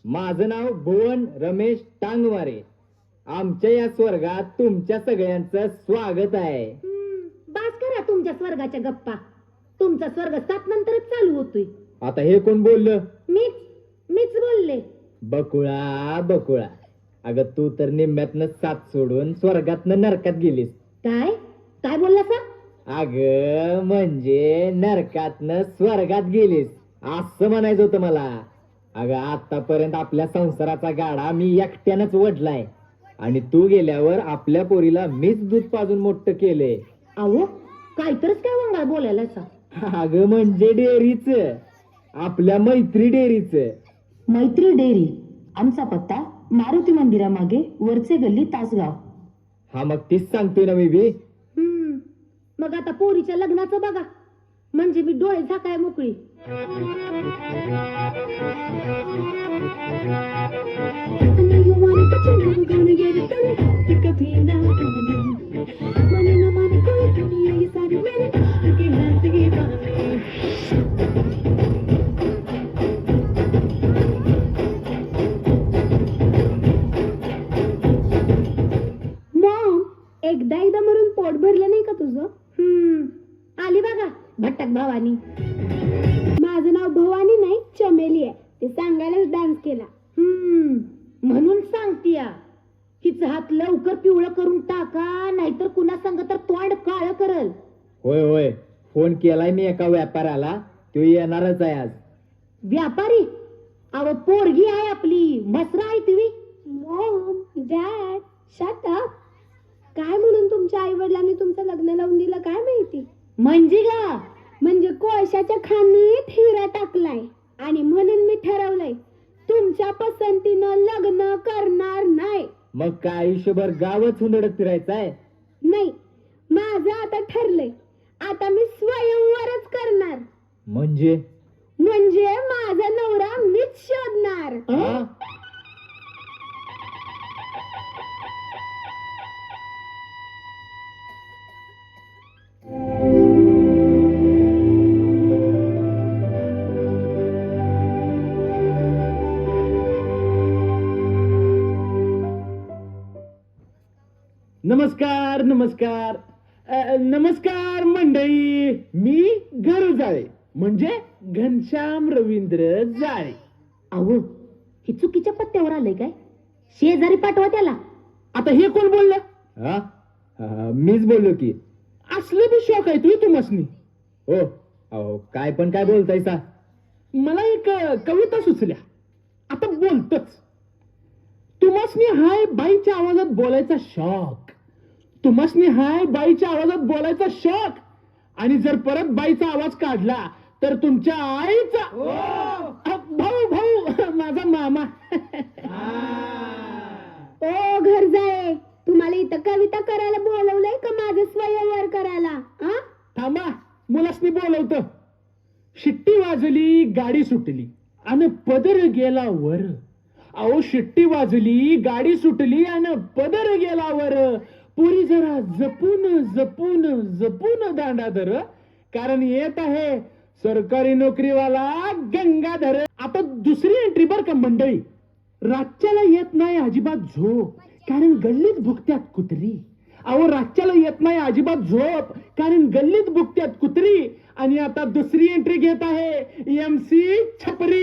माझं नाव भुवन रमेश टांगवारे. आमच्या या स्वर्गात तुमच्या सगळ्यांचं स्वागत आहे. बास करा तुमच्या स्वर्गाच्या गप्पा. तुमचा स्वर्ग 7 नंतरच चालू होतोय. आता हे कोण बोललं? मीच बोलले. बकुळा बकुळा, अगं तू तर निम्म्यातनं 7 सोडून स्वर्गातनं नरकात गेलीस. काय बोलला सा? अगं म्हणजे नरकातनं स्वर्गात गेलीस असं म्हणायचं होतं मला. अगं आतापर्यंत आपल्या संसाराचा गाडा मी एकट्यानंच वडलाय आणि तू गेल्यावर आपल्या पोरीला मीच दूध पाजून मोठं केलंय. अहो काहीतरच काय वंगाळ बोलायला सा. अगं म्हणजे डेअरीच, आपल्या मैत्री डेअरीच. मैत्री डेअरी. आमचा पत्ता मारुती मंदिरामागे वरचे गल्ली तासगाव. हा मग तीच सांगतोय ना मी बी. मग आता पोरीच्या लग्नाचं बघा, म्हणजे मी डोळे झाकाय मोकळी. एकदा मरून पोट भरलं नाही का तुझं? आली बघा भटक भवानी. माझं नाव भवानी नाही चमेली आहे. ते सांगायलाच डान्स केला. म्हणून सांगतीया हिचं हात लवकर पिवळं करून टाका, नाहीतर कुणा सांग तर तोंड काळ करल. होय होय, फोन केलाय मी एका व्यापाऱ्याला, तो येणारच आहे आज. व्यापारी? अव पोरगी आहे आपली, मसरा आहे तुम्ही. Mom dad shut up. काय म्हणून तुमच्या आई वडिलांनी तुमचं लग्न लावून दिलं काय माहिती? म्हणजे कोळशाच्या खाणीत हिरा टाकलाय आणि म्हणून मी ठरवलंय तुमच्या पसंतीनं लग्न करणार नाही. मग काय आयुष्यभर गावच हुंदडत फिरायचंय? नाही, माझं आता ठरलंय. आता मी स्वयंवरच करणार. म्हणजे माझा नवरा मीच शोधणार. नमस्कार नमस्कार नमस्कार मंडळी. मी घर जाळे म्हणजे घनश्याम रवींद्र जाळे. अहो हे चुकीच्या पत्त्यावर आलंय काय? शेजारी पाठवा त्याला. आता हे कोण बोललं? मीच बोललो की. असलं बी शॉक आहे तू मसनी. हो अहो काय पण काय बोलतायसा? मला एक कविता सुचल्या, आता बोलतच. तुमासनी हाय बाईच्या आवाजात बोलायचा शॉक. तुमासनी हाय बाईच्या आवाजात बोलायचा शॉक. आणि जर परत बाईचा आवाज काढला तर तुमच्या आईचा भाऊ माझा मामा. ओ घर जाय, तुम्हाला इथं कविता करायला बोलवलंय का माझं स्वयंवर करायला? थांबा, मुलासनी बोलवतो. शिट्टी वाजली गाडी सुटली आणि पदर गेला वर. अहो शिट्टी वाजली गाडी सुटली आणि पदर गेला वर. पुरी जरा जपून जपून जपून दांडा धर, कारण येत आहे सरकारी नोकरीवाला गंगाधर. आता दुसरी एंट्री बर का मंडळी. रातच्याला येत नाही अजिबात झोप, कारण गल्लीत भुकत्यात कुत्री. अहो रातच्याला येत नाही अजिबात झोप, कारण गल्लीत भुकत्यात कुत्री. आणि आता दुसरी एंट्री घेत आहे MC छपरी.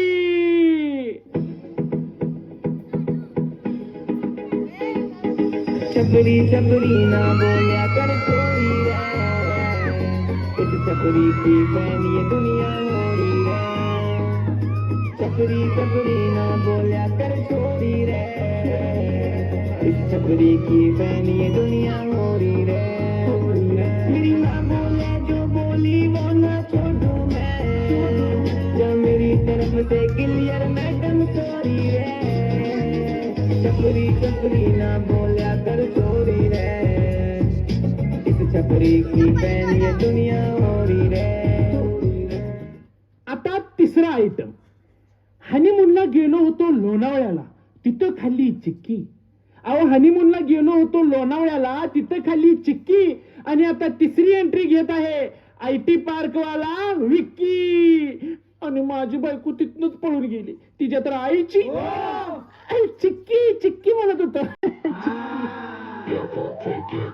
छपरी छपरी ना बोल्या कर कोई रे, इस छपरी की फैन ये दुनिया होरी रे. छपरी छपरी ना बोल्या कर छोड़ी रे, इस छपरी की फैन ये दुनिया होरी रे. मेरी माँ बोले जो बोली वो ना छोड़ू मैं, जो मेरी तरफ से क्लियर मैडम सॉरी रे. छपरी छपरी ना बोल्या कर छोड़ी रे, इस छपरी की फैन ये दुनिया होरी रे. आता तिसरा आयटम. हनीमूनला गेलो होतो लोणावळ्याला, तिथं खाल्ली चिक्की. अहो हनीमूनला गेलो होतो लोणावळ्याला, तिथं खाल्ली चिक्की. आणि आता तिसरी एंट्री घेत आहे IT पार्क वाला विक्की. आणि माझी बायको तिथनच पळून गेली, तिच्या तर आईची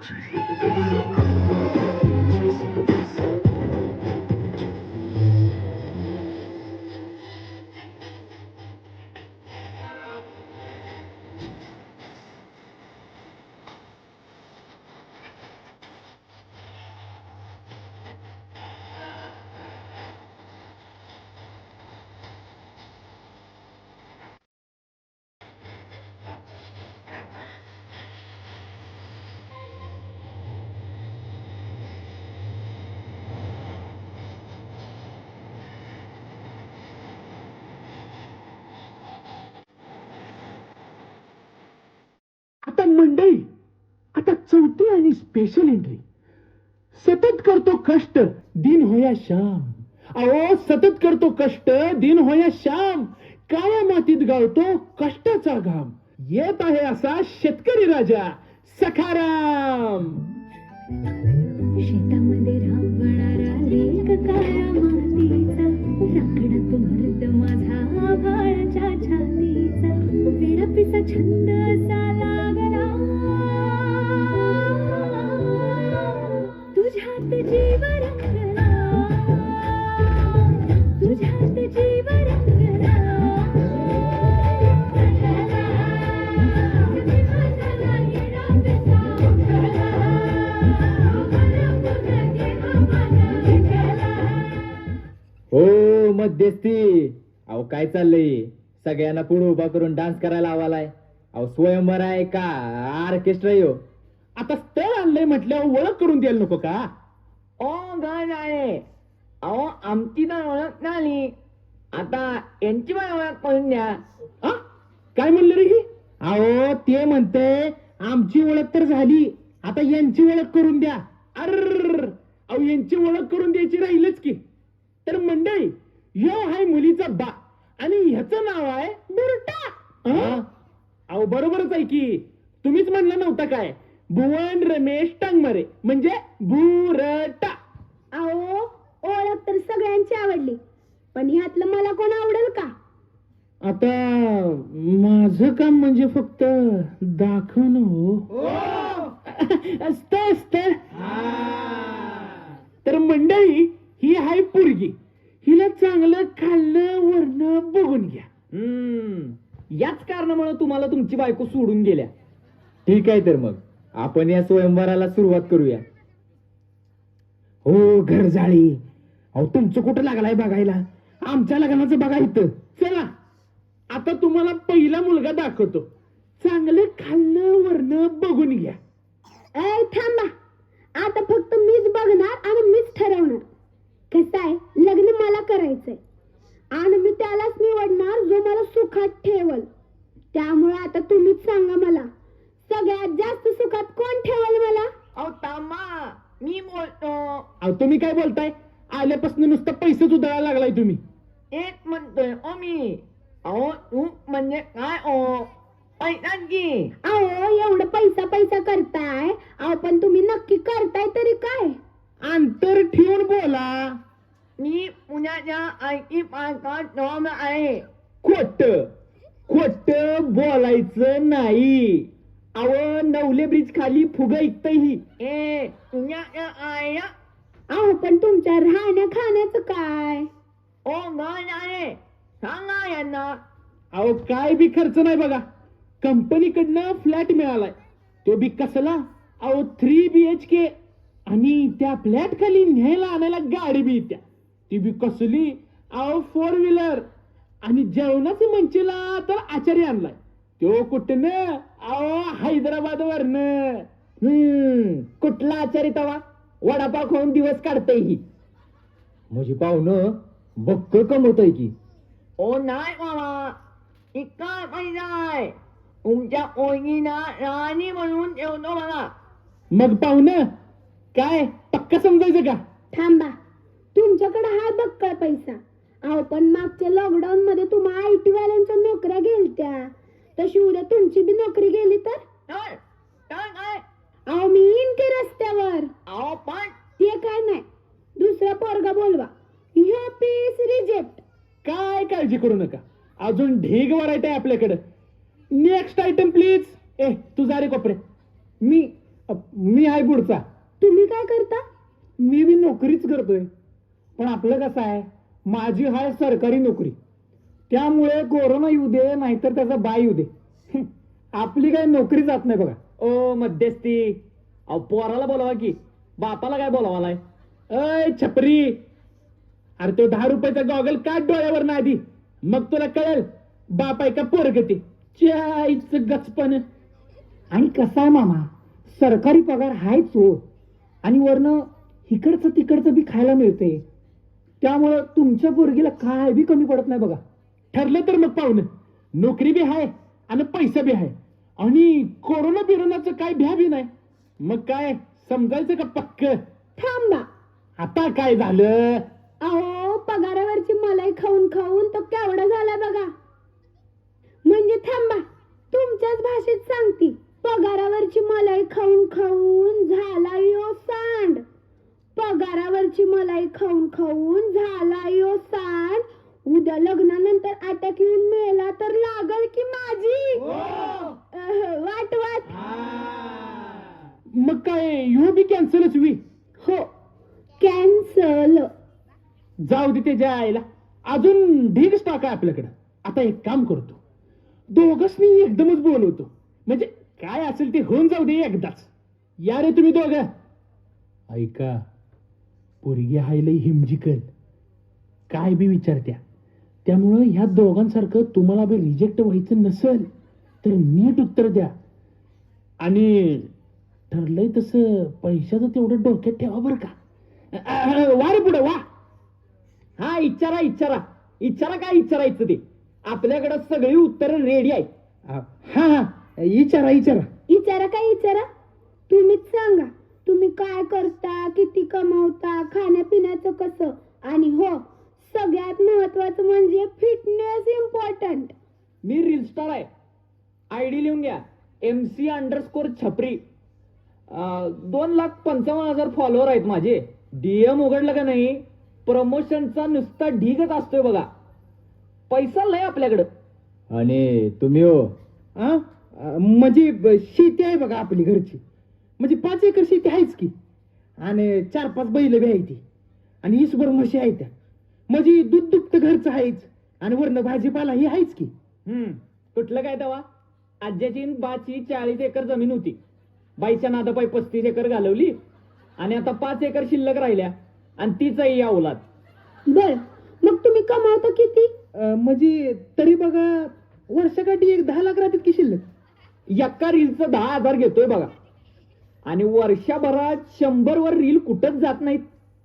आता मंडळी, आता चौथी आणि स्पेशल एंट्री. सतत करतो कष्ट दिन होया श्याम. अहो सतत करतो कष्ट दिन होया श्याम. काळ्या मातीत गाळतो कष्टाचा घाम. येत आहे असा शेतकरी राजा सखाराम. शेतामध्ये राबणारा लेक काळ्या मातीचा, राखणात मृत माझा आभाळाच्या छातीचा, विडपिसा छंद असा लागला, तुझ्यात जीव रंगला, तुझ्यात जीव रंगला. हो मध्यस्थी, अहो काय चाललंय? सगळ्यांना पुढे उभा करून डान्स करायला आवालाय. अहो स्वयंवर आहे का ऑर्केस्ट्रा यो? आता स्थळ आणलंय म्हटल्यावर ओळख करून द्यायला नको का? ओ गाण आहे. अहो आमची तर ओळख नाही, आता यांची पण ओळख करून द्या. आ? काय म्हणले रे ही? अहो ते म्हणते आमची ओळख तर झाली, आता यांची ओळख करून द्या. अर अहो यांची ओळख करून द्यायची राहीलच की. तर मंडळी, ह्यो हाय मुलीचा बा आणि ह्याचं नाव आहे बुरटा. हा? अहो बरोबरच आहे की. तुम्हीच म्हणलं नव्हता काय, भुवन रमेश टांगमारे म्हणजे बुरटा. अहो ओळख तर सगळ्यांची आवडली, पण ह्यातलं मला कोण आवडेल का? आता माझं काम म्हणजे फक्त दाखवणं हो. स्थळ स्थळ. तर मंडळी, ही आहे पोरगी. हिला चांगलं खाल्लं वरण बघून घ्या. याच कारणामुळे तुम्हाला तुमची बायको सोडून गेल्या. ठीक आहे, तर मग आपण या स्वयंवराला सुरुवात करूया. हो घर जाळी. अहो तुमचं कुठं लागलाय बघायला, आमच्या लग्नाचं बघा इथं. चला आता तुम्हाला पहिला मुलगा दाखवतो. चांगलं खाल्लं वरण बघून घ्या. ऐ थांबा, आता फक्त मीच बघणार आणि मीच ठरवणार. कसं आहे, लग्न मला करायचंय आणि मी त्यालाच निवडणार जो मला सुखात ठेवल. त्यामुळे आता तुम्हीच सांगा मला, सगळ्यात जास्त सुखात कोण ठेवल मला? अहो तामा, मी बोलतो. अहो तुम्ही काय बोलताय? आल्यापासून नुसतं पैसेच उधळायला लागलाय तुम्ही. एक म्हणतोय ओ मी. अहो तू म्हणजे काय ओ? पैसा की. अहो एवढं पैसा पैसा करताय, अहो पण तुम्ही नक्की करताय तरी काय? अंतर ठेवून बोला. मी पुण्याच्या आयटी पार्कात जॉब आहे. खोट खोट बोलायचं नाही. अहो नवले ब्रिज खाली फुग ऐकतही. ए पुण्याच्या आया. अहो पण तुमच्या राहण्या खाण्याचं काय? ओ गाण आहे, सांगा यांना. अहो काय बी खर्च नाही बघा. कंपनीकडनं फ्लॅट मिळालाय, तो बी कसला. अहो 3 BHK आणि त्या फ्लॅट खाली न्यायला आणायला गाडी बी येत्या, ती बी कसली. अहो 4 व्हीलर आणि जेवणाचे मंचीला तर आचार्य आणलाय, तो कुठं? अहो हैदराबाद वरन. कुठला आचारी तवा वडापाव खाऊन दिवस काढतय ही. म्हणजे पाहुणं बक्क कमवतय की. ओ नाही बाबा, इतका पैसा आहे. तुमच्या ओळखीना राणी म्हणून ठेवतो मला. मग पाहुणं काय पक्का समजायचं का? थांबा, तुमच्याकडे हाय बक्कळ पैसा. अहो पण मागच्या लॉकडाऊन मध्ये तुम्हा IT वाल्यांच्या नोकऱ्या गेलत्या, तशी उद्या तुमची बी नोकरी गेली तर? काय? अहो मी येईन की रस्त्यावर. अहो पण ते काय नाही, दुसरा पोरगा बोलवा. ह्यो पीस रिजेक्ट. काय काळजी करू नका, अजून ढीग व्हरायटी आहे आपल्याकडे. Next item please. ए तू जा रे कोपरे. मी मी आहे पुढचा. तुम्ही काय करता? मी बी नोकरीच करतोय, पण आपलं कसं आहे, माझी हाय सरकारी नोकरी, त्यामुळे कोरोना येऊ दे नाहीतर त्याचा बाय येऊ दे, आपली काय नोकरी जात नाही बघा. ओ मध्यस्थी, अहो पोराला बोलावा की, बापाला काय बोलावालाय? अय छपरी, अरे तो 10 रुपयाचा गॉगल काढ डोळ्यावर ना आधी, मग तुला कळेल बाप आहे का पोरग ते. चायचं गचपण. आणि कसा आहे मामा, सरकारी पगार हायच हो, आणि वरनं इकडचं तिकडचं बी खायला मिळते, त्यामुळं तुमच्या पोरगीला काय बी कमी पडत नाही बघा. ठरलं तर मग पाहुणं, नोकरी बी आहे आणि पैसा बी आहे, आणि कोरोना बिरोनाचं काय भ्या बी नाही, मग काय समजायचं का पक्क? थांबा. आता काय झालं? अहो पगारावरची मलाई खाऊन खाऊन तो केवढा झाला बघा. म्हणजे थांबा, तुमच्याच भाषेत सांगती, पगारावरची मलाई खाऊन खाऊन झाला यो सांड. पगारावरची मलाई खाऊन खाऊन झाला यो सांड. उद्या लग्नानंतर अटॅक येऊन मेला तर लागल की माझी वाट वाट. मग काय यू बी कॅन्सलच वी? हो, कॅन्सल. जाऊ दे त्याच्या आईला, अजून ढीग स्टॉक आहे आपल्याकडं. आता एक काम करतो, दोघंच मी एकदमच बोलवतो, म्हणजे काय असेल ते होऊन जाऊ दे एकदाच. या रे तुम्ही दोघं. ऐका, पोरगी हाय लई हिमजिकल, काय बी विचारत्या, त्यामुळं ह्या दोघांसारखं तुम्हाला बी रिजेक्ट व्हायचं नसेल तर नीट उत्तर द्या, आणि ठरलंय तसं पैशाचं तेवढं डोक्यात ठेवा बरं का. वा रे पुढे वा. हा इचारा इचारा इचारा, काय इचारायचं ते, आपल्याकडे सगळी उत्तर रेडी आहेत. हा हा, विचारा विचारा. विचारा काय विचारा, तुम्हीच सांगा. तुम्ही काय करता, किती कमवता, खाण्यापिण्याचं कसं, आणि हो सगळ्यात महत्वाचं म्हणजे फिटनेस इम्पॉर्टंट. मी रील स्टार आहे, आयडी लिहून घ्या, MC_छपरी. 2,55,000 फॉलोअर आहेत माझे. DM उघडलं का नाही, प्रमोशनचा नुसता ढीगच असतोय बघा. पैसा लय आपल्याकडं. आणि तुम्ही हो? म्हणजे शेती आहे बघा आपली घरची, म्हणजे 5 एकर शेती आहेच की, आणि 4-5 बैल बी आहे ती, आणि 20 म्हशी आहे त्या, म्हणजे दूध दुभत घरचं आहेच, आणि वरनं भाजीपाला ही आहेच की. कुठलं काय तेव्हा, आज्याची न बाची 40 एकर जमीन होती, बाईच्या नादापाई 35 एकर घालवली, आणि आता 5 एकर शिल्लक राहिल्या, आणि तीच या औलाद. बर, मग तुम्ही कमावता किती? म्हणजे तरी बघा वर्षाकाठी 10 लाख राहतात की शिल्लक. एका रीलचं 10,000 घेतोय बघा, आणि वर्षभरात 100 वर रील कुठंच जात नाहीत,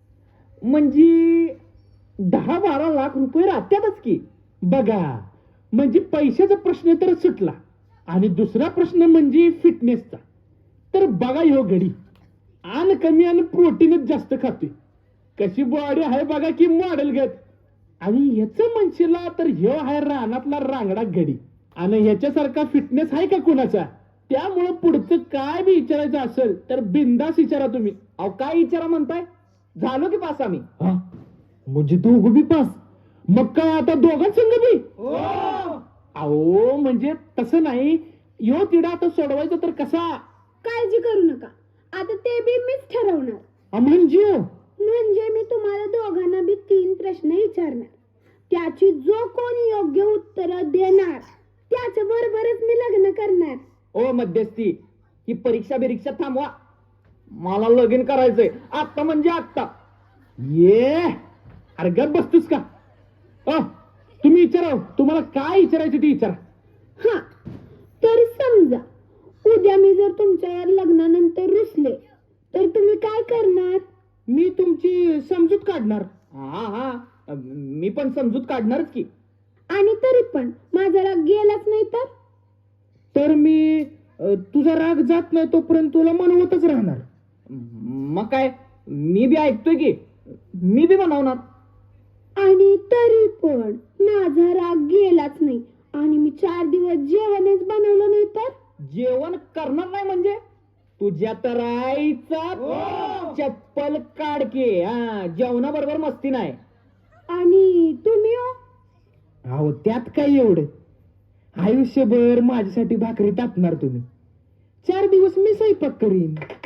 म्हणजे 10-12 लाख रुपये राहतातच की. बघा, म्हणजे पैशाचा प्रश्न तर सुटला, आणि दुसरा प्रश्न म्हणजे फिटनेसचा. तर बघा ह्यो गडी आन कमी आणि प्रोटीनच जास्त खातोय, कशी बॉडी आहे बघा की मॉडेल घेत, आणि ह्याचं म्हणशीला तर ह्यो आहे रानातला रांगडा गडी, आणि ह्याच्यासारखा फिटनेस आहे का कोणाचा? त्यामुळं पुढचं काय बी विचारायचं असेल तर बिंदास विचारा तुम्ही. अहो काय विचारा म्हणताय, झालो की पास आम्ही. म्हणजे दोघं बी पास? मग काय आता दोघांसंग बी? अहो म्हणजे तसं नाही, ह्यो तिडा आता सोडवायचा तर कसा? काळजी करू नका, आता ते बी मीच ठरवणार. म्हणजे मी तुम्हाला दोघांना बी 3 प्रश्न विचारणार, त्याची जो कोणी योग्य उत्तर देणार त्याच्या बरोबरच मी लग्न करणार. ओ मध्यस्थी, ही परीक्षा बिरीक्षा थांबवा, मला लगीन करायचंय आत्ता, म्हणजे आत्ता. ये अरे गप बसतोस का? तुम्ही विचारा, तुम्हाला काय विचारायचं ते विचारा. हा, तर समजा उद्या मी जर तुमच्या या लग्नानंतर रुसले तर तुम्ही काय करणार? मी तुमची समजूत काढणार. हा, मी पण समजूत काढणारच की. आणि तरी पण माझा राग गेलाच नाही तर मी तुझा राग जात नाही तोपर्यंत तुला मनवतच राहणार. मग काय, मी बी ऐकतोय की, मी बी बनवणार. आणि तरी पण माझा राग गेलाच नाही, आणि मी 4 दिवस जेवणच बनवलं नाही तर? जेवण करणार नाही म्हणजे तुझ्या तर आईचा चप्पल काढके. जेवणाबरोबर मस्ती नाही. आणि तुम्ही हो? अहो त्यात काय एवढं, आयुष्यभर माझ्यासाठी भाकरी टाकणार तुम्ही, 4 दिवस मी स्वयंपाक करीन.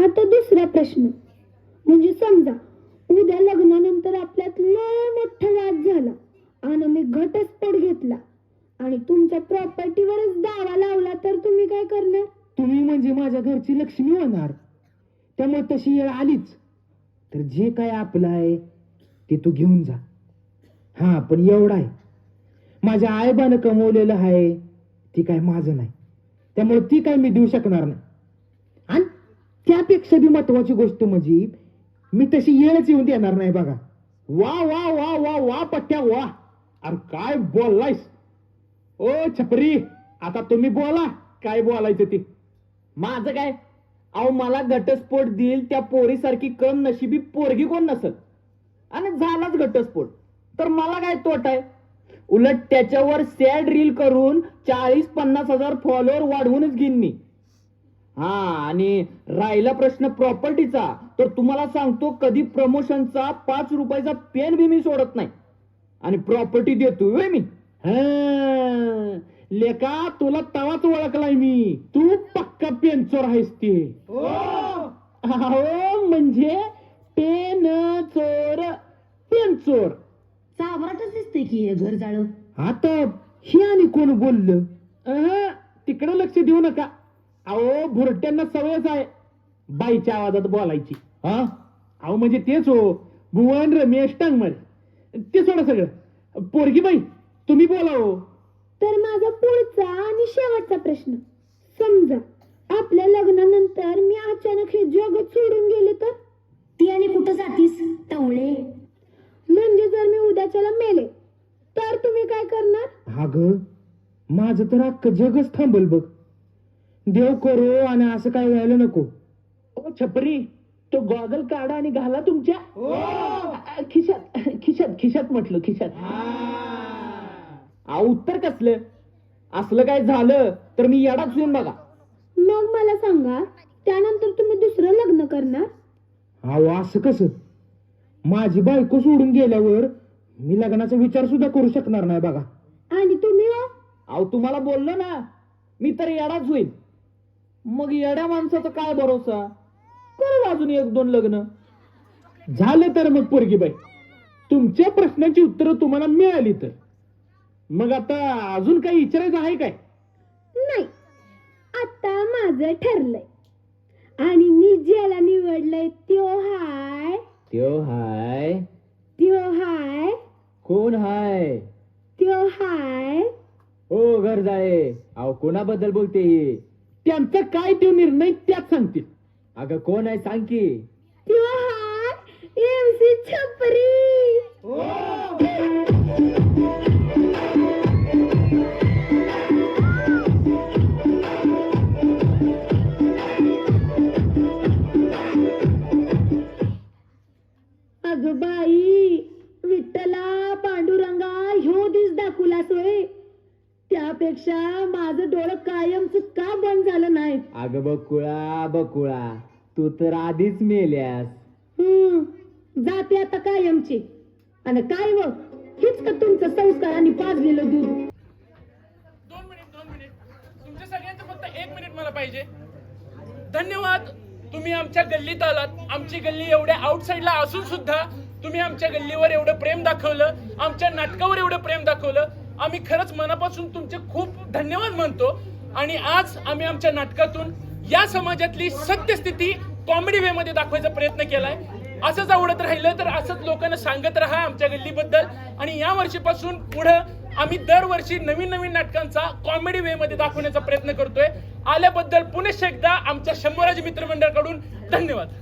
आता दुसरा प्रश्न, म्हणजे समजा उद्या लग्नानंतर आपल्यात लय मोठा वाद झाला आणि मी घटस्फोट घेतला आणि तुमच्या प्रॉपर्टीवरच दावा लावला, तर तुम्ही काय करणार? तुम्ही म्हणजे माझ्या घरची लक्ष्मी होणार, त्यामुळे तशी वेळ आलीच तर जे काय आपलं आहे ते तू घेऊन जा. हा, पण एवढा आहे, माझ्या आईबानं कमवलेलं आहे ती काय माझं नाही, त्यामुळे ती काय मी देऊ शकणार नाही. आणि त्यापेक्षा बी महत्वाची गोष्ट म्हणजे मी तशी येळच येऊन देणार नाही बघा. वा वा वा वा वा पट्ट्या वा, अरे काय बोललायस. ओ छपरी, आता तुम्ही बोला काय बोलायचं ते. माझं काय, अहो मला घटस्फोट देईल त्या पोरीसारखी कम नशिबी पोरगी कोण नसल, आणि झालाच घटस्फोट तर मला काय तोट आहे. उलट त्याच्यावर सॅड रील करून 40-50 हजार फॉलोअर वाढवूनच घेईन मी. हा, आणि राहिला प्रश्न प्रॉपर्टीचा, तर तुम्हाला सांगतो कधी प्रमोशनचा 5 रुपयाचा पेन बी मी सोडत नाही, आणि प्रॉपर्टी देतोय मी. हा, लेका तुला तवाच ओळखलाय मी, तू पक्का पेनचोर आहेस ते. हो म्हणजे पेन चोर, पेनचोर. चावराटच दिसते की हे घर जाळं. आता हे आणि कोण बोललं? तिकडे लक्ष देऊ नका. अहो भुरट्यांना सवयच आहे बाईच्या आवाजात बोलायची. हा, अहो म्हणजे तेच हो, भुवन रमेश टांगमर. ते सोडा सगळं, पोरगी बाई तुम्ही बोला हो. तर माझा पुढचा आणि शेवटचा प्रश्न, समजा आपल्या लग्नानंतर मी अचानक हे जगत सोडून गेले तर? ती आणि कुठं जातीस टवळे? म्हणजे जर मी उद्याच्याला मेले तर तुम्ही काय करणार? हा ग, माझं तर अख्खं जगच थांबल बघ. देव करो आणि असं काय व्हायला नको. ओ छपरी, तो गॉगल काढा आणि घाला तुमच्या खिशात. खिशात खिशात म्हटलं, खिशात. उत्तर कसलं, असलं काय झालं तर मी येडाच येऊन बघा. मग मला सांगा, त्यानंतर तुम्ही दुसरं लग्न करणार? अहो असं कसं, माझी बायको सोडून गेल्यावर मी लग्नाचा विचार सुद्धा करू शकणार नाही बघा. आणि तुम्ही हो? अहो तुम्हाला बोललो ना, मी तर येडाच होईल. मग येड्या माणसाचा काय भरोसा, करू अजून 1-2 लग्न. झालं तर मग पोरगी बाई, तुमच्या प्रश्नांची उत्तरं तुम्हाला मिळाली तर मग आता अजून काही विचारायचं आहे काय? नाही, आता माझं ठरलंय आणि मी ज्याला निवडलंय त्यो हाय. त्यो हाय? त्यो हाय. कोण हाय? त्यो हाय. ओ घर जाळे, अहो कोणाबद्दल बोलते ही? त्यांचा काय तो निर्णय त्यात सांगतील. अगं कोण आहे सांग की. त्यो हाय MC छपरी. अगं बाई, विठ्ठला पांडुरंगा, ह्यो दिस दाखवलास होय. त्यापेक्षा माझं डोळं कायमच का बंद झालं नाही? अगं बकुळा, तू तर आधीच मेल्यास. जाते आता कायमची. आणि काय व हेच का तुमचं संस्काराने पाजलेलं दूध? 2 मिनिट तुमच्या सगळ्यांचं फक्त 1 मिनिट मला पाहिजे. धन्यवाद, तुम्ही आमच्या गल्लीत आलात. आमची गल्ली एवढ्या आउटसाइडला असून सुद्धा तुम्ही आमच्या गल्लीवर एवढं प्रेम दाखवलं, आमच्या नाटकावर एवढं प्रेम दाखवलं. आम्ही खरंच मनापासून तुमचे खूप धन्यवाद म्हणतो. आणि आज आम्ही आमच्या नाटकातून या समाजातली सत्यस्थिती कॉमेडी वे मध्ये दाखवायचा प्रयत्न केलाय. असंच आवडत राहिलं तर असंच लोकांना सांगत राहा आमच्या गल्लीबद्दल. आणि या वर्षीपासून पुढं आम्ही दरवर्षी नवीन नाटकांचा कॉमेडी वे मध्ये दाखवण्याचा प्रयत्न करतोय. आल्याबद्दल पुनश्च एकदा आमच्या शंभराज मित्रमंडळाकडून धन्यवाद.